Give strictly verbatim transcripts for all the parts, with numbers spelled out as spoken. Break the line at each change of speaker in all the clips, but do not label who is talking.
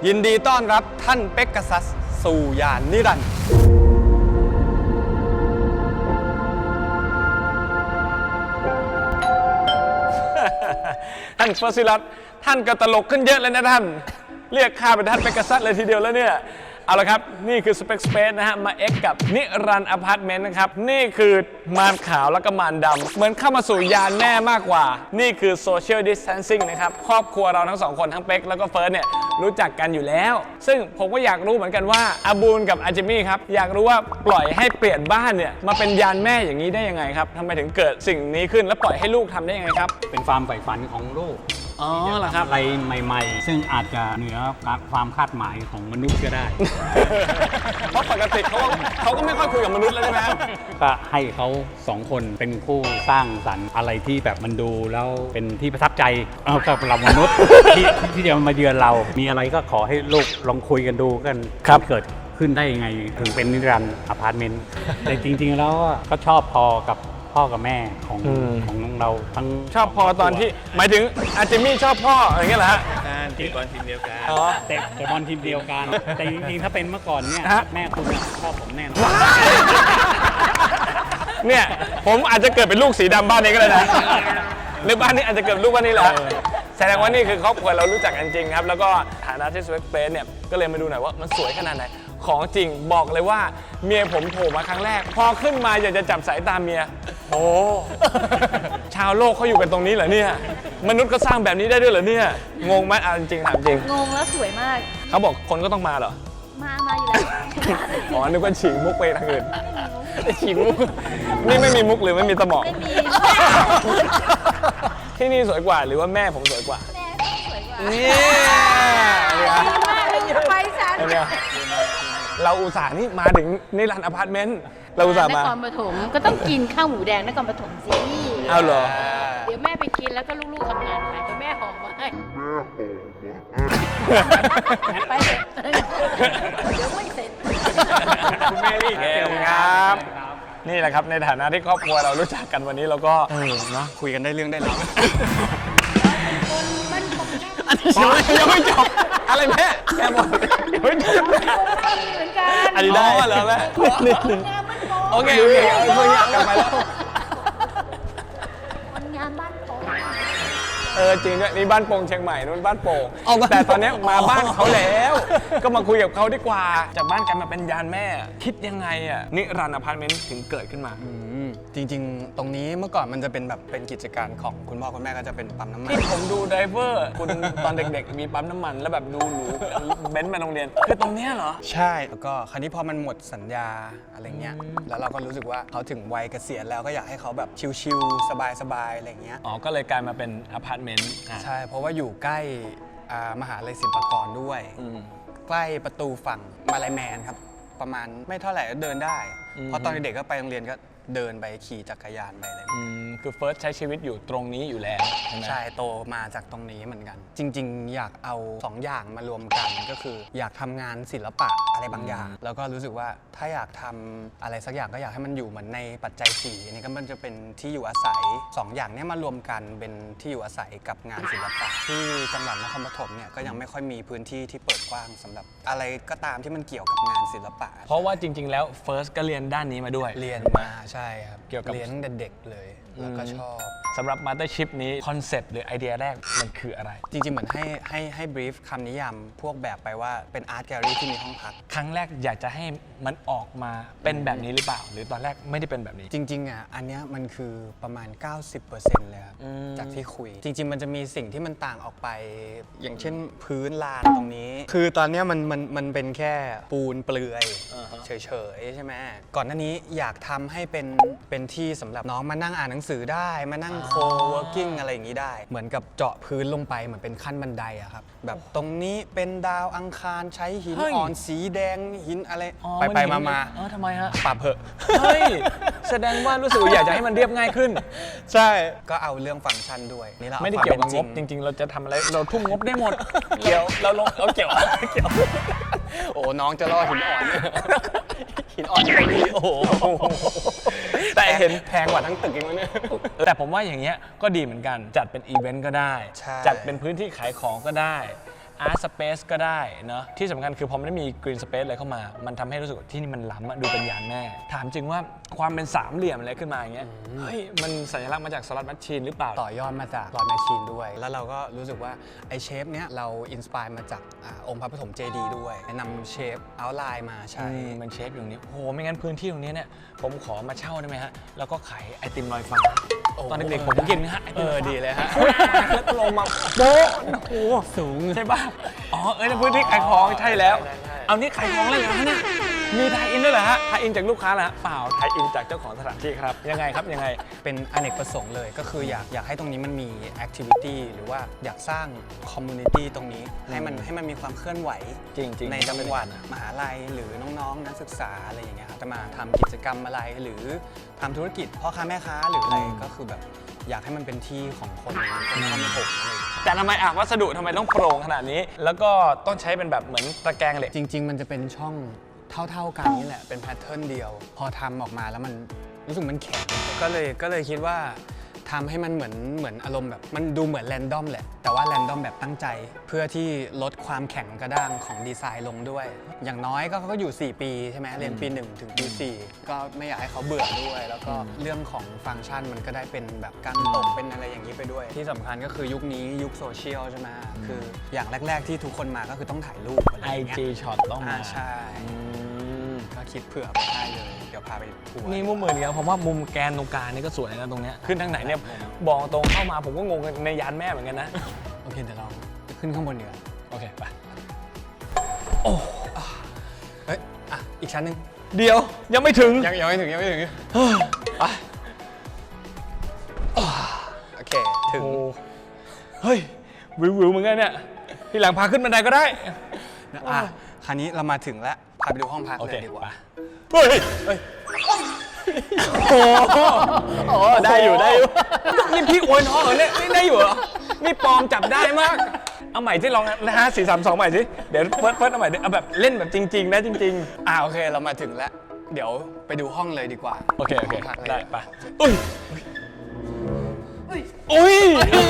ยินดีต้อนรับท่านเป๊กกษัสสู่ยานนิรันดร์ท่านเฟอร์ซิลัสท่านก็ตลกขึ้นเยอะเลยนะท่านเรียกข้าเป็นท่านเป๊กกษัสเลยทีเดียวแล้วเนี่ยเอาละครับนี่คือ Spec Space นะฮะมา X กับนิรันดร์อพาร์ตเมนต์นะครับนี่คือมารขาวแล้วก็มารดำเหมือนเข้ามาสู่ยานแม่มากกว่านี่คือ Social Distancing นะครับครอบครัวเราทั้งสองคนทั้งเป๊กแล้วก็เฟิร์สเนี่ยรู้จักกันอยู่แล้วซึ่งผมก็อยากรู้เหมือนกันว่าอาบูลกับอาจิมี่ครับอยากรู้ว่าปล่อยให้เปลี่ยนบ้านเนี่ยมาเป็นยานแม่อย่างนี้ได้ยังไงครับทำไมถึงเกิดสิ่งนี้ขึ้นแล้วปล่อยให้ลูกทำได้ยังไงครับ
เป็นความใฝ่ฝันของลูก
อ๋อเหรอครับ
อะไรใหม่ๆซึ่งอาจจะเหนือความคาดหมายของมนุษย์ก็ได้
เพราะปกติเขาเขาก็ไม่ค่อยคุยกับมนุษย์แล้วใช่ไหม
ก็ให้เขาสองคนเป็นคู่สร้างสรรค์อะไรที่แบบมันดูแล้วเป็นที่ประทับใจเอากับเรามนุษย์ ที่ที่จะมาเยือนเรามีอะไรก็ขอให้ลูกลองคุยกันดูกันเกิดขึ้นได้ยังไงถึงเป็นนิรันดร์อพาร์ตเมนต์แต่จริงๆแล้วก็ชอบพอกับพ่อกับแม่ของของเราทั้ง
ชอบพอตอนที่หมายถึงอาจิมี่ชอบพ่ออย่างเงี้ยเหรอฮะ
เตะบอลทีมเดียวกันเตะเตะบอลทีมเดียวกันแต่จริงๆถ้าเป็นเมื่อก่อนเนี่ยแม่คุณชอบผมแน่นอน
เนี่ยผมอาจจะเกิดเป็นลูกสีดำบ้านนี้ก็ได้นะหรือบ้านนี้อาจจะเกิดลูกบ้านนี้แหละแสดงว่านี่คือครอบครัวเรารู้จักกันจริงครับแล้วก็ฐานะที่ Spec Space เนี่ยก็เลยมาดูหน่อยว่ามันสวยขนาดไหนของจริงบอกเลยว่าเมียผมโผล่มาครั้งแรกพอขึ้นมาอยากจะจับสายตาเมียโอ้ชาวโลกเขาอยู่กันตรงนี้เหรอเนี่ยมนุษย์ก็สร้างแบบนี้ได้ด้วยเหรอเนี่ยงงไหมอ่ะจริงถามจริง
งงแล้วสวยมาก
เขาบอกคนก็ต้องมาเหรอ
มามาอยู่แล้ว
อ๋อนึกว่าฉีกมุกไปทางอื่นฉีกมุกนี่ไม่มีมุกหรือไม่มีสมอง
ไม่มี
ที่นี่สวยกว่าหรือว่าแม่ผมสวยกว่า
แม่สวยกว่า
นี่
ไปฉัน
เราอุตส่าห์นี่มาถึงนิรันดร์อพาร์ตเมนต์เราอุตส่าห์มาน
ครปฐมก็ต้องกินข้าวหมูแดงนครปฐมสิ
เอาเหรอ
เดี๋ยวแม่ไปกินแล้วก็ลูกๆทำงานหายแต่แม่หอมมาให้ไปเถอะเดี๋ยวไม่เสร็จ
คุณแม่นี่เก่งครับนี่แหละครับในฐานะที่ครอบครัวเรารู้จักกันวันนี้เราก็เออเนาะคุยกันได้เรื่องได้ราว
คนมันผม
ยังไม่จบอะไรแม่แค่หมดยังไม่จบ
เหมือนกัน
อันนี้ได้เหรอแม่นิดนึงโอเคโอเคเอาเรื่องกลับมาแล้ว
คนงานบ้านโป่ง
เออจริงด้วยนี่บ้านโป่งเชียงใหม่นู้นบ้านโป่งแต่ตอนนี้มาบ้านเขาแล้วก็มาคุยกับเขาดีกว่าจากบ้านกันมาเป็นยานแม่คิดยังไงอ่ะนิรันดร์อพาร์ตเมนต์ถึงเกิดขึ้นมา
จริงๆตรงนี้เมื่อก่อนมันจะเป็นแบบเป็นกิจการของคุณพ่อคุณแม่ก็จะเป็นปั๊มน้ำมัน
ที่ผมดูไดเวอร์คุณตอนเด็กๆมีปั๊มน้ำมันแล้วแบบดูหรูเบนซ์มาโรงเรียนคือตรงเนี้ยเหรอ
ใช่แล้วก็คราวนี้พอมันหมดสัญญาอะไรเงี้ยแล้วเราก็รู้สึกว่าเขาถึงวัยเกษียณแล้วก็อยากให้เขาแบบชิลๆสบายๆอะไรเงี้ย
อ๋อก็เลยกลายมาเป็นอพาร์ตเมนต์
ใช่เพราะว่าอยู่ใกล้มหาลัยศิลปากรด้วยใกล้ประตูฝั่งมาลายแมนครับประมาณไม่เท่าไหร่ก็เดินได้เพราะตอนเด็กก็ไปโรงเรียนก็เดินไปขี่จักรยานไปอะไร
คือเฟิร์สใช้ชีวิตอยู่ตรงนี้อยู่แล้ว
ใช่โตมาจากตรงนี้เหมือนกันจริงๆอยากเอาสองอย่างมารวมกันก็คืออยากทำงานศิลปะอะไรบางอย่างแล้วก็รู้สึกว่าถ้าอยากทำอะไรสักอย่างก็อยากให้มันอยู่เหมือนในปัจจัยสี่อันนี้ก็มันจะเป็นที่อยู่อาศัยสองอย่างนี้มารวมกันเป็นที่อยู่อาศัยกับงานศิลปะที่จังหวัดนครปฐมเนี่ยก็ยังไม่ค่อยมีพื้นที่ที่เปิดกว้างสำหรับอะไรก็ตามที่มันเกี่ยวกับงานศิลปะ
เพราะว่าจริงๆแล้วเฟิร์สก็เรียนด้านนี้มาด้วย
เรียนมาใช่ครับ
เกี่ยวกับ
เรียนตั้งแต่เด็กเลยแล้วก็ชอบ
สำหรับมาสเตอร์ชิพนี้คอนเซปต์หรือไอเดียแรกมันคืออะไร
จริงๆเหมือนให้ให้ให้บรีฟคำนิยามพวกแบบไปว่าเป็นอาร์ตแกลเลอรี่ที่มีห้องพัก
ครั้งแรกอยากจะให้มันออกมาเป็นแบบนี้หรือเปล่าหรือตอนแรกไม่ได้เป็นแบบนี้
จริงๆอ่ะอันนี้มันคือประมาณ เก้าสิบเปอร์เซ็นต์ เลยครับจากที่คุยจริงๆมันจะมีสิ่งที่มันต่างออกไปอย่างเช่นพื้นลานตรงนี้คือตอนนี้มันมันมันเป็นแค่ปูนเปลือยเฉยๆใช่ไหมก่อนหน้านี้อยากทำให้เป็นเป็นที่สำหรับน้องมานั่งอ่านหนังสือได้มานั่งโคเวิร์กิ้งอะไรอย่างนี้ได้เหมือนกับเจาะพื้นลงไปเหมือนเป็นขั้นบันไดอะครับแบบตรงนี้เป็นดาวอังคารใช้หินอ่อนสีแดงหินอะไรไปไปมามา
เออทำไมฮะ
ปรับเหอะ
เฮ้ยแสดงว่ารู้สึกอยากจะให้มันเรียบง่ายขึ้น
ใช่ก็เอาเรื่องฟังก์ชันด้วยนี่เรา
ไม่ได้เกี่ยวกับงบจริงๆเราจะทำอะไรเราทุ่มงบได้หมดเกี่ยวเราลงเราเกี่ยวเกี่ยว
โอ้น้องจะล่อหินอ่อนหินอ่อนตรงนี้โอ้โหแต่เห็นแพงกว่าทั้งตึกอีกมั้ยเนี่ย
แต่ผมว่าอย่างเงี้ยก็ดีเหมือนกันจัดเป็นอีเวนต์ก็ได้จัดเป็นพื้นที่ขายของก็ได้ Art Space ก็ได้เนาะที่สำคัญคือพอมันได้มี Green Space อะไรเข้ามา มันทำให้รู้สึกว่าที่นี่มันล้ำอะดูเป็นยานแม่ ถามจริงว่าความเป็นสามเหลี่ยมอะไรขึ้นมาอย่างเงี้ยเฮ้ยมันสัญลักษณ์มาจากสล็อตแมชชีนหรือเปล่า
ต่อยอดมาจากหลอดแมชชีนด้วย แล้วเราก็รู้สึกว่าไอเชฟเนี้ยเราอินสปายมาจากอาองค์พระปฐมเจดีย์ด้วยนำเชฟเอาไลน์มาใช้
อืมมันเชฟอยู่ตรงนี้โอ้โหไม่งั้นพื้นที่ตรงนี้เนี่ยผมขอมาเช่าได้ไหมฮะแล้วก็ขายไอติมลอยฟ้า
โอ้
ตอนเด็กๆผมกินนะฮะไอ
เอ
ติม
อ
ลอยฟ้า
ดีเลยฮะ
แล้วก็ลงมาโบ๊ะโอ้โห
สูง
ใช่ป่ะอ๋อเอ้ยในพื้นที่ขายของใช่แล้ว
ใช่ใช่
เอานี่ขายของเลยเหรอฮะเนี่ยมีไทยอินด้วยเหรอฮะไทยอินจากลูกค้าเหรอฮะเปล่าไทยอินจากเจ้าของสถานที่ครับยังไงครับยังไง
เป็นอเนกประสงค์เลยก็คืออยากอยากให้ตรงนี้มันมีแอคทิวิตี้หรือว่าอยากสร้างคอมมูนิตี้ตรงนี้ให้มันให้มันมีความเคลื่อนไหว
จริงๆ
ในจังหวัดมหาลัยหรือน้องๆ นักศึกษาอะไรอย่างเงี้ยครับจะมาทำกิจกรรมอะไรหรือทำธุรกิจพ่อค้าแม่ค้าหรืออะไรก็คือแบบอยากให้มันเป็นที่ของคนคนนครปฐมอะไรอย่างเงี้ย
แต่ทำไมอ่ะวัสดุทำไมต้องโปร่งขนาดนี้ แล้วก็ต้องใช้เป็นแบบเหมือนตะแกรงเหล็ก
จริง ๆ มันจะเป็นช่องเท่าๆกันนี่แหละเป็นแพทเทิร์นเดียว พอทำออกมาแล้วมันรู้สึกมันแข็งก็เลยก็เลยคิดว่าทำให้มันเหมือนเหมือนอารมณ์แบบมันดูเหมือนแรนดอมแหละแต่ว่าแรนดอมแบบตั้งใจ เพื่อที่ลดความแข็งกระด้างของดีไซน์ลงด้วย อย่างน้อยก็เขาก็อยู่ สี่ ปีใช่ไหมเรียนปี หนึ่ง ถึงปี สี่ ก็ไม่อยากให้เขาเบื่อด้วย แล้วก็เรื่องของฟังก์ชันมันก็ได้เป็นแบบการตกเป็นอะไรอย่างนี้ไปด้วย ที่สำคัญก็คือยุคนี้ยุคโซเชียลใช่ไหมคืออย่างแรก ๆ ที่ทุกคนมาก็คือต้องถ่ายรูปอะไรอย่างเงี้ย
ไอ จี ช็อตต้องมา
อ่าใช่ ก็คิดเผื่อไปได้เลย เดี๋ยวพาไปทัวร์
นี่มุมมือเนี่ยผมว่ามุมแกนตรงกลางนี่ก็สวยนะตรงเนี้ยขึ้นทางไหนเนี่ยบอกตรงเข้ามาผมก็งงในยานแม่เหมือนกันนะ
โอเคเดี๋ยวเราขึ้นข้างบนเดี๋ยวา
โอเคไป
เฮ้ย อ่ะ อีกชั้นหนึ่ง
เดี๋ยวยังไม่ถึง
ยังยังไม่ถึงยังไม่ถึง
ไป
โอเค ถึง
โอ้เฮ้ยวิววิวเหมือนกันเนี่ยทีหลังพาขึ้นบันไดก็ได้
อ่ะคราวนี้เรามาถึงแล้ว พาไปดูห้องพัก
โอ
เล
เค
ยดีก
ไป
ว่า
เฮ้ยเฮ้ยโอ้โหโอ้ได้อยู่ได้อยู่นี่พี่อวยน้องเหรอเนี่ยนี่ได้อยู่เหรอนี่ปลอมจับได้มากเอาใหม่ที่ลองนะฮะสี่สามสองใหม่สิเดี๋ยวเฟิร์สเฟิร์สเอาใหม่ดิเอาแบบเล่นแบบจริงๆนะจริง
อ่ะโอเค เรามาถึงแล้ว เดี๋ยวไปดูห้องเลยดีกว่า
ๆ โอเคโอเค
ห้งพักเลย
ได้ไปอุ้ยอุ้ย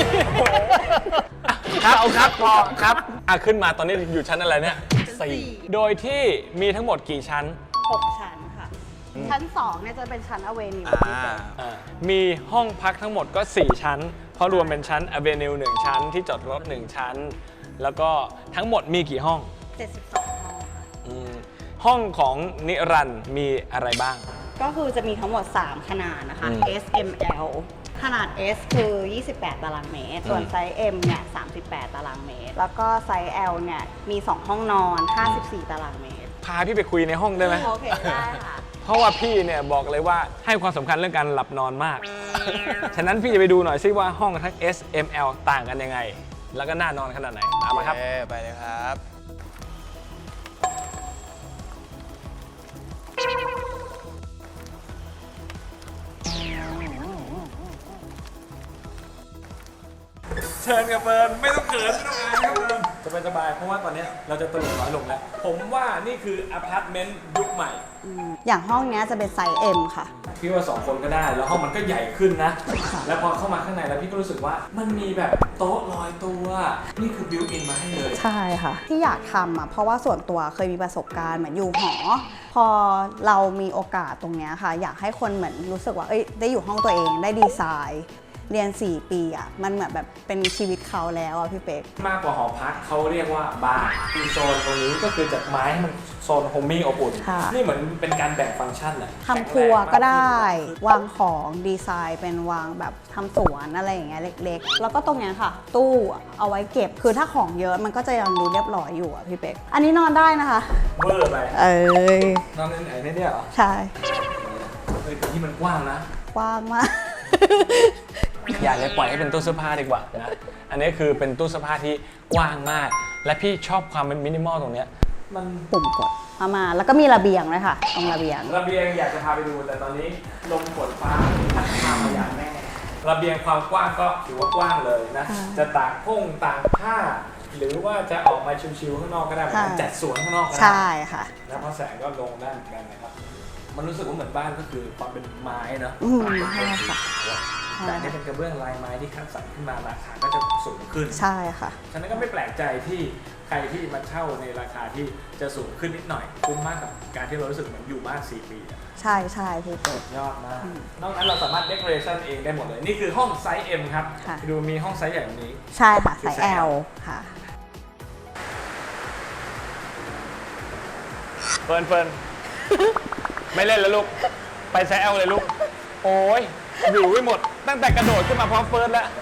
ครับเอาครับพอครับอ่ะขึ้นมาตอนนี้อยู่ชั้นอะไรเนี่ยสี่โดยที่มีทั้งหมดกี่ชั้น
หกชั้นค่ะ ชั้นสองเนี่ยจะเป็นชั้นอเวนิว
อ่า
อ่ามีห้องพักทั้งหมดก็ สี่ ชั้น เพราะรวมเป็นชั้น Avenue หนึ่งชั้นที่จอดรถหนึ่งชั้น แล้วก็ทั้งหมดมีกี่ห้อง
เจ็ดสิบสองห้องค่ะ
อืมห้องของนิรันดร์มีอะไรบ้าง
ก็คือจะมีทั้งหมด สาม ขนาดนะคะ
อืม
S M L ขนาด S คือ ยี่สิบแปด ตารางเมตร ส่วนไซส์ M เนี่ย สามสิบแปด ตารางเมตร แล้วก็ไซส์ L เนี่ย มี สอง ห้องนอน ห้าสิบสี่ ตารางเมตร
พาพี่ไปคุยในห้องได้ไหม
โอเค ได้ค่ะ
เพราะว่าพี่เนี่ยบอกเลยว่าให้ความสำคัญเรื่องการหลับนอนมาก ฉะนั้นพี่จะไปดูหน่อยซิว่าห้องทั้ง S M L ต่างกันยังไง แล้วก็น่านอนขนาดไหน ตามมาครับ
โอเคไปเลยครับ
เชิญกับเฟิร์นไม่ต้องเขินไม่ต้องอายครับเฟิร์นสบายสบายๆเพราะว่าตอนนี้เราจะตลกน้อยลงแล้ว ผมว่านี่คืออพาร์ตเมนต์ยุคใหม่
อย่างห้องเนี้ยจะเป็นไซส์ M ค่ะ
พี่ว่าสองคนก็ได้ แล้วห้องมันก็ใหญ่ขึ้นนะ แล้วพอเข้ามาข้างในแล้วพี่ก็รู้สึกว่ามันมีแบบโต๊ะลอยตัว นี่คือบิวอินมาให้เลย
ใช่ค่ะ ที่อยากทำอ่ะเพราะว่าส่วนตัวเคยมีประสบการณ์เหมือนอยู่หอ พอเรามีโอกาสตรงเนี้ยค่ะ อยากให้คนเหมือนรู้สึกว่าเอ้ยได้อยู่ห้องตัวเองได้ดีไซน์ เรียน สี่ ปีอ่ะมันเหมือนแบบเป็นชีวิตเขาแล้วอ่ะพี่เป๊ก
มากกว่าหอพักเขาเรียกว่าบาร์คือโซนตรงนี้ก็คือจากไม้ให้มันโซนโฮมมิ่งอบอุ่น
ค่ะ
นี่เหมือนเป็นการแบ่งฟังก์ชันอะ
ทำครัวก็ได้ วางของดีไซน์เป็นวางแบบทำสวนอะไรอย่างเงี้ยเล็กๆ แล้วก็ตรงเนี้ยค่ะ ตู้เอาไว้เก็บคือถ้าของเยอะมันก็จะยังดูเรียบร้อยอยู่อ่ะพี่เป๊กอันนี้นอนได้นะคะ
เวอร์ไป
เอ้ย
นอนในไหนเนี่ยเหรอ
ใช่
เฮ้ยแต่ที่มันกว้างนะ
กว้างมาก
อย่าเลยปล่อยให้เป็นตู้เสื้อผ้าดีกว่านะ อันนี้คือเป็นตู้เสื้อผ้าที่กว้างมาก และพี่ชอบความเป็นมินิมอลตรงเนี้ยมัน
ปุ่มกดเอามาแล้วก็มีระเบียงเลยค่ะตรงระเบียง
ระเบียงอยากจะพาไปดูแต่ตอนนี้ลมฝนฟ้าพัดพามาอย่างแน่ระเบียงความกว้างก็ถือว่ากว้างเลยนะ
ค่ะ
จะตากพุ่งตากผ้า หรือว่าจะออกมาชิวๆข้างนอกก็ได้เหมือนกัน
ค่ะ
จัดสวนข้างนอกก็ได้
ใช่ค่ะ
แล้วพอแสงก็ลงได้เหมือนกันนะครับ มันรู้สึกว่าเหมือนบ้านก็คือความเป็นไม้เนอะ
อืมใช่ค่ะใช่
แต่อันนี่เป็นกระเบื้องลายไม้ที่คัดสรรขึ้นมาราคาก็จะสูงขึ้น
ใช่ค่ะ
ฉะนั้นก็ไม่แปลกใจที่ใครที่มาเช่าในราคาที่จะสูงขึ้นนิดหน่อยคุ้มมากกับการที่เรารู้สึกเหมือนอยู่บ้านสี่ปีอะ
ใช่ใช่พี่เปิด
ยอดมาก นอกนั้นเราสามารถ decoration เองได้หมดเลย นี่คือห้องไซส์ M ครับ
ค่ะ
ดูมีห้องไซส์ใหญ่แบบนี้
ใช่ค่ะ
คือ
สาย
ไซส์
L
L
ค่ะ
เฟิร์นเฟิร์น ไม่เล่นแล้วลูก ไปไซส์ L เลยลูก โอ้ยวิวไม่หมด ตั้งแต่กระโดดขึ้นมาพร้อมเฟิร์นแล้ว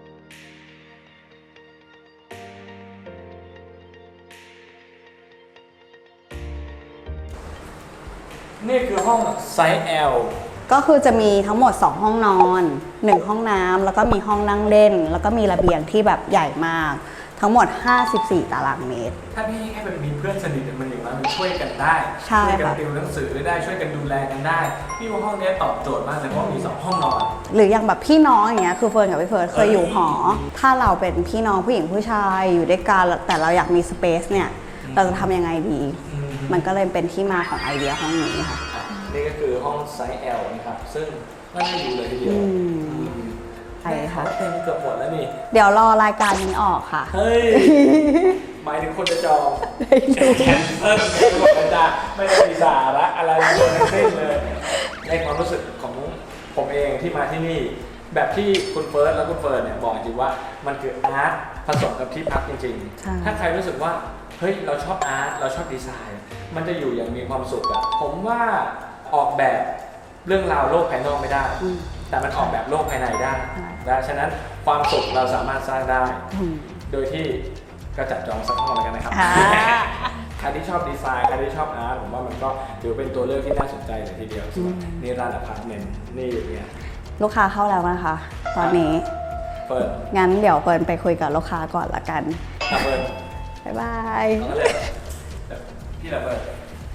นี่คือห้องไซส์ L
ก็คือจะมีทั้งหมด สอง ห้องนอน หนึ่ง ห้องน้ำแล้วก็มีห้องนั่งเล่น แล้วก็มีระเบียงที่แบบใหญ่มาก ทั้งหมด ห้าสิบสี่ ตารางเมตร
ถ้าพี่แค่เป็นมีเพื่อนสนิทมันอย่างนั้นมันช่วยกันได้
ใช่
ช่วยกั
ค่ะ
ติวหนังสือได้ช่วยกันดูแลกันได้ พี่ว่าห้องนี้ตอบโจทย์มากเลยเพราะมีสองห้องนอน
หรืออย่างแบบพี่น้องอย่างเงี้ยคือเฟิร์นกับพี่เฟิร์นเคยอยู่หอ ถ้าเราเป็นพี่น้องผู้หญิงผู้ชายอยู่ด้วยกันแต่เราอยากมีสเปซเนี่ยเราจะทำยังไงดี มันก็เลยเป็นที่มาของไอเดียห้องนี้ค่ะ
อ่ะนี่ก็คือห้องไซส์ L นะครับ ซึ่งก็น่าอยู่เลยทีเดียว
อืมใช่ค่ะ
เต็มเกือบหมดแล้วนี่
เดี๋ยวรอรายการนี้ออกค่ะ
เฮ้ย หมายถึงคนจะจอง
ได้ดู
แคนเซิลไม่บอกกันจ้าไม่ได้มีสาระอะไรเลยทั้งสิ้นเลย ในความรู้สึกของผมเองที่มาที่นี่ แบบที่คุณเฟิร์สและคุณเฟิร์นเนี่ยบอกจริงว่ามันคืออาร์ตผสมกับที่พักจริง
ใช่
ๆ ถ้าใครรู้สึกว่าเฮ้ยเราชอบอาร์ตเราชอบดีไซน์ มันจะอยู่อย่างมีความสุขอะผมว่าออกแบบเรื่องราวโลกภายนอกไม่ได้
อืม
แต่มันออกแบบโลกภายในได้
ใช่
และฉะนั้นความสุขเราสามารถสร้างได้
อืม
โดยที่ก็จัดจองสักห้องแล้วกันนะครับ
อ่า
ใครที่ชอบดีไซน์ ใครที่ชอบอาร์ต ผมว่ามันก็ถือเป็นตัวเลือกที่น่าสนใจเลยทีเดียวสำหรับนี่ร้านอพาร์ตเมนต์นี่เนี่ย
ลูกค้าเข้าแล้วนะคะ ตอนนี้
เปิด
งั้นเดี๋ยวเฟิร์นไปคุยกับลูกค้าก่อนละกัน
อ่ะเปิด
บ๊ายบาย
เอาเลยพี่ละเปิด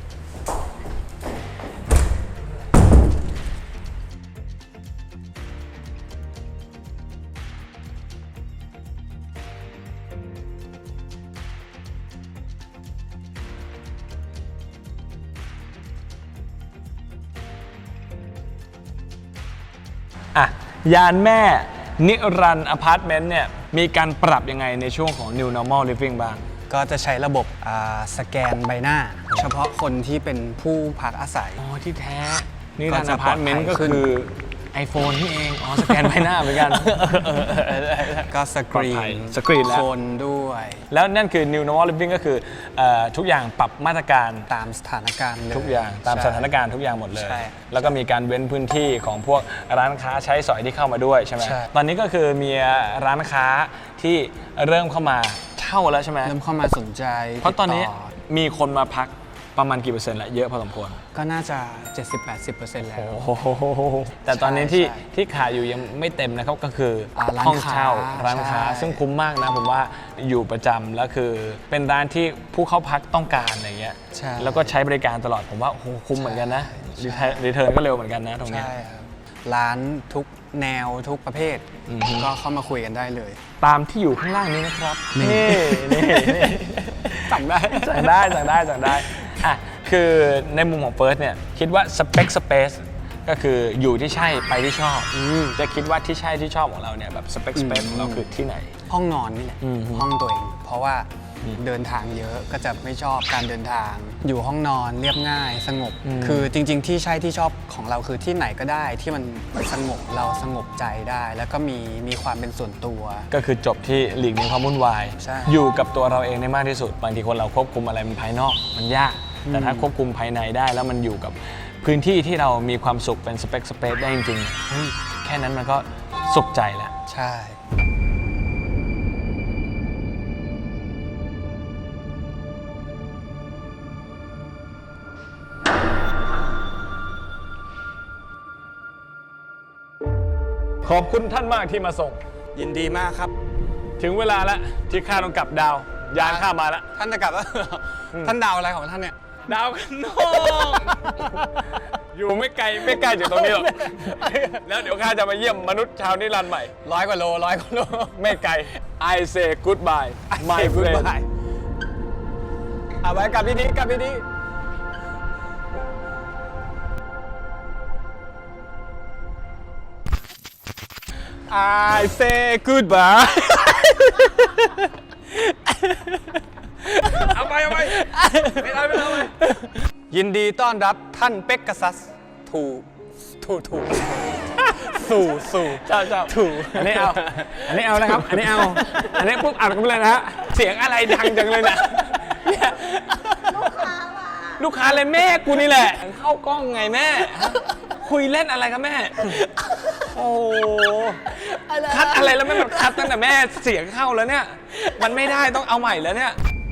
อ่ะยานแม่นิรันดร์อพาร์ตเมนต์เนี่ยมีการปรับยังไงในช่วงของ New Normal Living บ้าง
ก็จะใช้ระบบอ่าสแกนใบหน้า เฉพาะคนที่เป็นผู้พักอาศัย
อ๋อที่แท้นิรันดร์
ก็จะ
อพาร์ตเมนต์
ปลอดภั
ก็
ยขึ้น
คือ iPhone ที่เอง อ๋อ สแกนใบหน้าเหมือนกัน
ก็สกรี
ปลอดภัย
น
สกรีนแล้ว
คนด้วย
แล้วนั่นคือ New Normal Living ก็คือเอ่อทุกอย่างปรับมาตรการ
ตามสถานการณ์เลย
ทุกอย่างตาม
ใช่
สถานการณ์ทุกอย่างหมดเลย
ใช่
แล้วก็มีการเว้นพื้นที่ของพวกร้านค้าใช้สอยที่เข้ามาด้วยใช่ไหม
ใช่
ตอนนี้ก็คือมีร้านค้าที่เริ่มเข้ามาเช่าแล้วใช่ไหม
เริ่มเข้ามาสนใจ
เพราะตอนนี้
ติดต่
มีคนมาพักประมาณกี่เปอร์เซ็นต์ละเยอะพอสมควร
ก็น่าจะ เจ็ดสิบถึงแปดสิบเปอร์เซ็นต์ แล้ว
โอ้โหแต่ตอนนี้ที่
ใช่
ที่ขายอยู่ยังไม่เต็มนะครับก็คืออา
ร้าน
ห้องเช่า
ค้า
ร้านค้า
ใช่
ซึ่งคุ้มมากนะผมว่าอยู่ประจำแล้วคือเป็นร้านที่ผู้เข้าพักต้องการอะไรเงี้ย
ใช่
แล้วก็ใช้บริการตลอดผมว่าโอ้โหคุ้มเหมือนกันนะรีเทิร์นก็เร็วเหมือนกันนะตรงเนี้ย
ใช่ครับร้านทุกแนวทุกประเภท
อือฮึ
ก็เข้ามาคุยกันได้เลย
ตามที่อยู่ข้างล่างนี้นะครับนี่นี่นี่
สั่งได้
สั่งได้สั่งได้สั่งได้อ่ะคือในมุมของเฟิร์สเนี่ยคิดว่าสเปคสเปซก็คืออยู่ที่ใช่ไปที่ชอบจะคิดว่าที่ใช่ที่ชอบของเราเนี่ยแบบสเปคสเปซของเราคือที่ไหน
ห้องนอนนี่แหละ
อืม
ห้องตัวเอง เพราะว่าเดินทางเยอะก็จะไม่ชอบการเดินทาง อยู่ห้องนอนเรียบง่ายสงบ
อืม
คือจริง ๆ ที่ใช่ที่ชอบของเราคือที่ไหนก็ได้ที่มันสงบเราสงบใจได้ แล้วก็มีมีความเป็นส่วนตัว
ก็คือจบที่หลีกเลี่ยงความวุ่นวาย
ใช่
อยู่กับตัวเราเองได้มากที่สุด บางทีคนเราควบคุมอะไรมันภายนอกมันยาก แต่ถ้าควบคุมภายในได้แล้วมันอยู่กับพื้นที่ที่เรามีความสุขเป็นสเปคสเปซได้จริงๆเฮ้ยแค่นั้นมันก็สุขใจแล้ว
ใช่
ขอบคุณท่านมากที่มาส่ง
ยินดีมากครับ
ถึงเวลาแล้วที่ข้าต้องกลับดาว ยานข้ามาแล้ว
ท่านจะกลับแล้ว ท่านดาวอะไรของท่านเนี่ย
ดาวกันนอกอยู่ไม่ไกลไม่ไกลจากตรงนี้หรอก แล้วเดี๋ยวข้าจะมาเยี่ยมมนุษย์ชาวนิรันดร์ใหม่
ร้อยกว่าโลร้อยกว่าโล
ไม่ไกล I say goodbye my friend
เอาไว้กลับดีๆกลับดีๆ
I say goodbye เอาไปเอาไปไม่ได้ไม่ได้ไม่ได้
ยินดีต้อนรับท่านเป็กกาซัสถูถูถูสู่สู่
เจ้าเจ้า
ถูก
อันนี้เอา อันนี้เอานะครับ อันนี้เอา อันนี้ปุ๊บอัดกันไปเลยนะฮะ เสียงอะไรดังจังเลยเนี่ยเนี่ยลูกค้าเลยแม่กูนี่แหละ เข้ากล้องไงแม่ คุยเล่นอะไรครับแม่ โอ้คัดอะไรแล้วแม่มันคัดตั้งแต่แม่เสียงเข้าแล้วเนี่ย มันไม่ได้ต้องเอาใหม่แล้วเนี่ย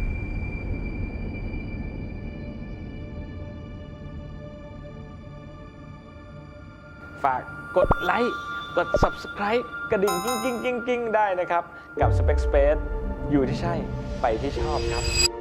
ฝากกดไลค์ กด Subscribe กระดิ่งกิ้งกิ้งกิ้งกิ้งได้นะครับ กับ Spec Space อยู่ที่ใช่ ไปที่ชอบครับ